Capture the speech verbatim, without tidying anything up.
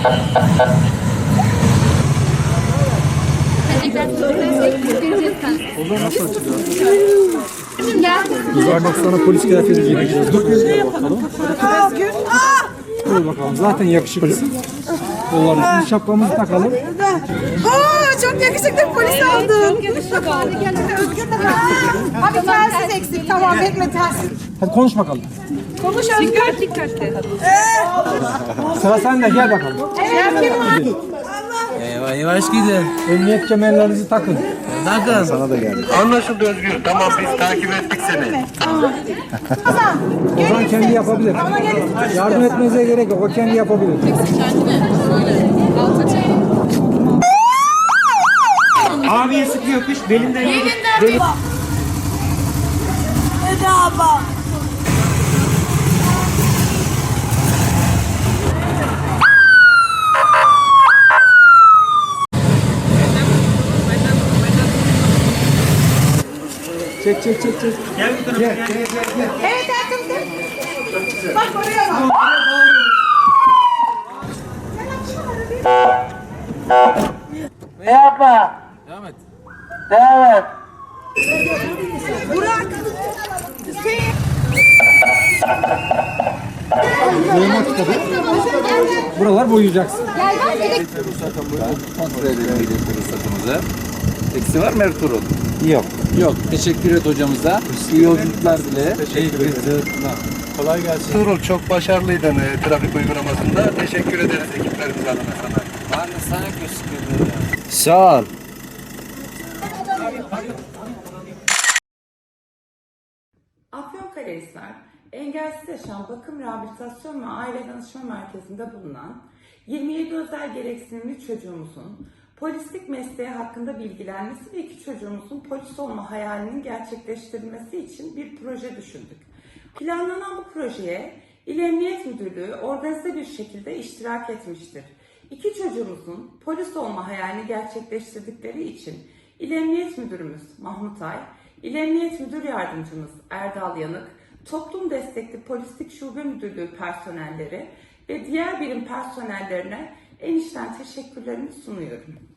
Nasıl açılıyor? Yuvarlak sana polis kıyafeti giyeceğiz. Dur bakalım. Dur bakalım. Zaten yakışıklısın. Kollarımızı, şapkamızı takalım. Aa, çok yakışıklı polis oldun. Çok yakışıklı. Abi telsiz eksik. Tamam bekle telsiz. Hadi konuş bakalım. Konuş Özgür. Dikkat dikkatli. Sıra sende, gel bakalım. Şef kim var? Yavaş yavaş gidin. Emniyet kemerlerinizi takın. Takın. Sana da geldi. Anlaşıldı Özgür. Tamam biz takip ettik seni. Ozan kendi yapabilir. Yardım etmenize gerek yok. O kendi yapabilir. Abiye sıkıyor kış belinden. Elinden bir... Bedava. Çek çek çek çek. Gel bu tarafa gel. Gel, gel, gel. Evet Ertuğrul. Bak oraya bak. Yapma. Devam et. Devam et. Burak. Hüseyin. Boyamak tabii. Buralar boyayacaksın. Kontrol edelim ruhsatımızı. Eksi var mı Ertuğrul? Yok. Yok. Teşekkür et hocamıza. İyi yolculuklar dile. Teşekkür ederim. Kolay gelsin. Ertuğrul çok başarılıydın e, trafik uygulamasında. Teşekkür ederiz ekiplerimiz adına sana. Ben de sana teşekkür ederim. Sağ ol. Afyonkarahisar Engelsiz Yaşam Bakım Rehabilitasyon ve Aile Danışma Merkezi'nde bulunan yirmi yedi özel gereksinimli çocuğumuzun polislik mesleği hakkında bilgilenmesi ve iki çocuğumuzun polis olma hayalinin gerçekleştirilmesi için bir proje düşündük. Planlanan bu projeye İl Emniyet Müdürlüğü organize bir şekilde iştirak etmiştir. İki çocuğumuzun polis olma hayalini gerçekleştirdikleri için İl Emniyet Müdürümüz Mahmut Ay, İl Emniyet Müdür Yardımcımız Erdal Yanık, Toplum Destekli Polislik Şube Müdürlüğü personelleri ve diğer birim personellerine en içten teşekkürlerimi sunuyorum.